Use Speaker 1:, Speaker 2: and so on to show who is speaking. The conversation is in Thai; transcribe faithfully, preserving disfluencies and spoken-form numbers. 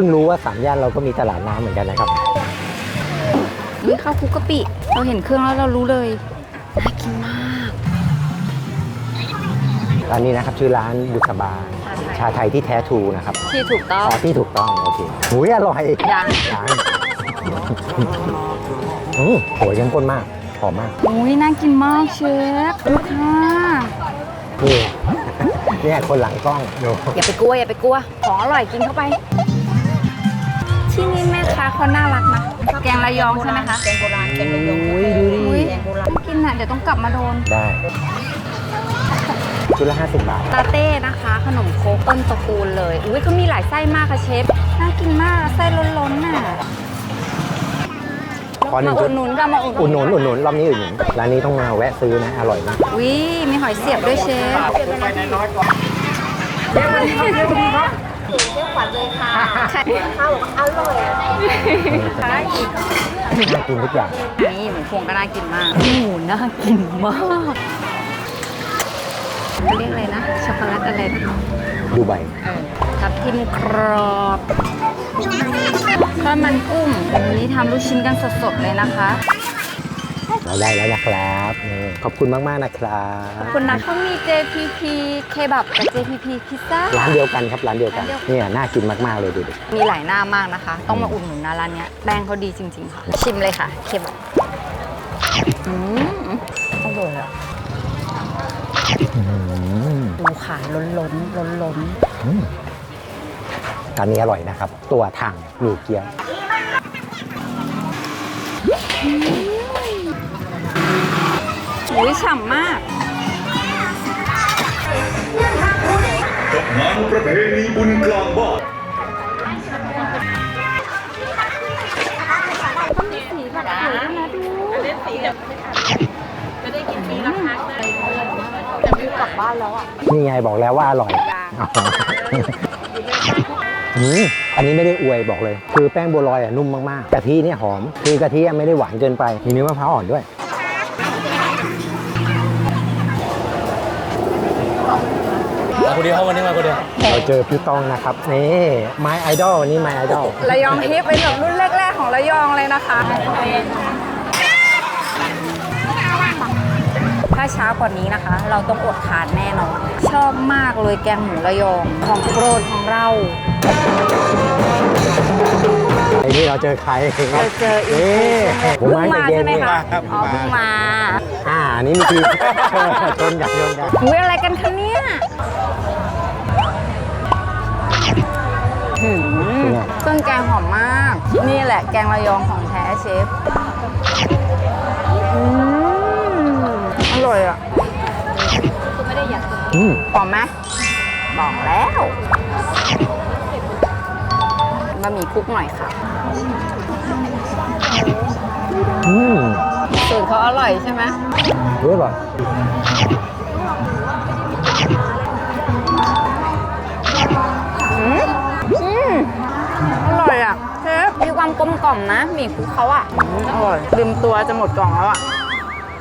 Speaker 1: พิ่งรู้ว่าสามย่านเราก็มีตลาดน้ำเหมือนกันนะครับ
Speaker 2: นี่ข้าวคลุกกะปิเราเห็นเครื่องแล้วเรารู้เลยน่ากินมาก
Speaker 1: ร้านนี้นะครับชื่อร้านบุษบาชาไทยที่แท้ทรูนะครับ
Speaker 2: ที่ถูกต้อง
Speaker 1: ที่ถูกต้องโอเคหูยอร่อย
Speaker 2: ยัง
Speaker 1: ยังอืมโหยเข้มข้นมากหอมมาก
Speaker 2: อุ้ยน่ากินมากเชฟดูค่ะ
Speaker 1: นี่เนี่ยคนหลังกล้องดู
Speaker 2: อย่าไปกลัวอย่าไปกลัวของอร่อยกินเข้าไปที่นี่แม่ค้าเขาน่ารักนะแกงระยองใช่ไหมคะ
Speaker 3: แกงโบราณแกงระยอง
Speaker 1: อุ้ยดูดิ
Speaker 3: แกงโบราณ
Speaker 2: กินอ่ะเดี๋ยวต้องกลับมาโดน
Speaker 1: ได้ชุดละห้าสิบบาท
Speaker 2: ลาเต้นะคะขนมโค้กต้นตระกูลเลยอุ้ยเขามีหลายไส้มากค่ะเชฟน่ากินมากไส้ล้นๆน่ะ
Speaker 1: ขอหนึ่งจุด
Speaker 2: อุดหนุนก็มาอุด
Speaker 1: หนุนอุดหนุนรอบนี้อุดหนุนร้านนี้ต้องมาแวะซื้อนะอร่อยมาก
Speaker 2: วิมีหอยเสียบด้วยเชฟ
Speaker 3: ไปไหนน้อยก่อนเดี๋ยวดีครับเดี๋ยวดีครับเดี๋ยวขวัญเลยค่ะข้าวอร่อย
Speaker 1: น่ากินทุกอย่าง
Speaker 2: นี่หมูพวงก็น่ากินมากหมูน่ากินมากเรียกอะไรนะช็อกโกแลตอะไรนะ
Speaker 1: ดูใบ
Speaker 2: ทับทิมกรอบข้าวมันกุ้งวันนี้ทำลูกชิ้นกันสดๆเลยนะคะ
Speaker 1: เราได้แล้วนะครับขอบคุณมากๆนะครับ
Speaker 2: ขอบคุณนะเขามี เจ พี พี เคบับกับ เจ พี พี พิซซ่า
Speaker 1: ร้านเดียวกันครับร้านเดียวกันเนี่ยน่ากินมากๆเลยดูดิ
Speaker 2: มีหลายหน้ามากนะคะต้องมาอุดหนุนนะร้านนี้แป้งเขาดีจริงๆค่ะชิมเลยค่ะเคบับอืมอร่อยอ่ะดูขาล้นล้นล้นล้น
Speaker 1: ร้านนี้อร่อยนะครับตัวถังหมี่เกี๊ยว
Speaker 2: อุ้ยฉ่ำมาก
Speaker 4: กับงานประเพณีบุญกลางบ้าน
Speaker 2: ต้องมีสีแบบสวยนะดูเล่นสีแบบจะได้กินปีละครั้งเลยแต่ไม่กลับบ้านแล้วอ่ะ
Speaker 1: นี่ไงบอกแล้วว่าอร่อยอืมอันนี้ไม่ได้อวยบอกเลยคือแป้งบัวลอยอ่ะนุ่มมากๆกะทิเนี่ยหอมคือกะทิไม่ได้หวานเกินไปมีเนื้อมะพร้าวอ่อนด้วย
Speaker 5: มาคนเดียววันนี้มาคนเดียว
Speaker 1: เราเจอพี่ต้องนะครับนี่ไมไอดอลวันนี้ไมไอดอล
Speaker 2: ระยองฮิปเป็นแบบรุ่นแรกๆของระยองเลยนะคะถ้าช้ากว่านี้นะคะ เราต้องอดทานแน่นอนชอบมากเลยแกงหมูระยองของโปรดของเรา
Speaker 1: ไอ้นี่เราเจอใคร
Speaker 2: เราเจออีกเพิ่งมาใช่ไหมคะอ๋อเพิ่งมา
Speaker 1: อ่านี่มีทีชนกันชนกัน
Speaker 2: อุ้ยอะไรกันคะเนี่ยเครื่องแกงหอมมากนี่แหละแกงระยองของแท้เชฟอืมอร่อยอ่ะคือไม่ได้อยากกินหอมไหมบอกแล้วบะหมี่คลุกหน่อยค่ะ
Speaker 1: อืม
Speaker 2: สูตรเขาอร่อยใช่ไหม
Speaker 1: เฮ้ยอร่อย
Speaker 2: อืมอืมอร่อยอ่ะเชฟมีความกลมกล่อมนะหมี่คลุกเขาอ่ะอร่อยลืมตัวจะหมดกล่องแล้วอ่ะ